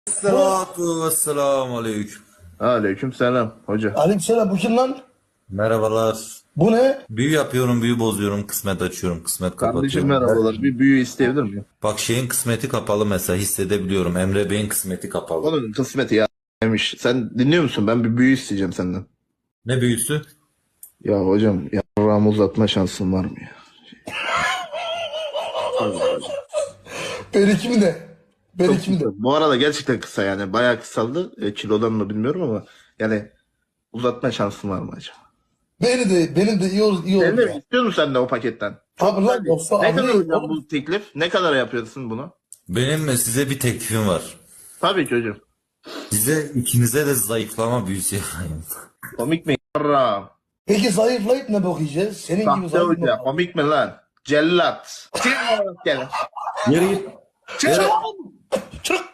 Esselatu vesselamu aleyküm. Aleyküm selam hoca. Aleykümselam, bu kim lan? Merhabalar. Bu ne? Büyü yapıyorum, büyü bozuyorum, kısmet açıyorum, kısmet Kardeşim kapatıyorum. merhabalar. Bir büyü isteyebilir miyim? Bak şeyin kısmeti kapalı mesela hissedebiliyorum. Emre Bey'in kısmeti kapalı. Onun kısmeti ya. Sen dinliyor musun? Ben bir büyü isteyeceğim senden. Ne büyüsü? Ya hocam yarrağımı uzatma şansın var mı ya? Benimki mi de? Benimki mi de? Bu arada gerçekten kısa yani. Bayağı kısaldı. Kilodan mı bilmiyorum ama yani uzatma şansın var mı acaba? Benim de iyi olur, iyi olur Emre ya. istiyor musun sen de o paketten? Tabii lan, yoksa Ne kadar anlayayım hocam oğlum. bu teklif? Ne kadar yapıyorsun bunu? Benim size bir teklifim var. Tabii ki hocam. Size ikinize de zayıflama büyüsü yapayım. Komik mi? Yarrağım. Peki zayıflayıp ne bakacağız? Senin gibi Sahte zayıf hoca. mı? Komik mi lan? Cellat. Gel. Yürü git. Çık! Çık!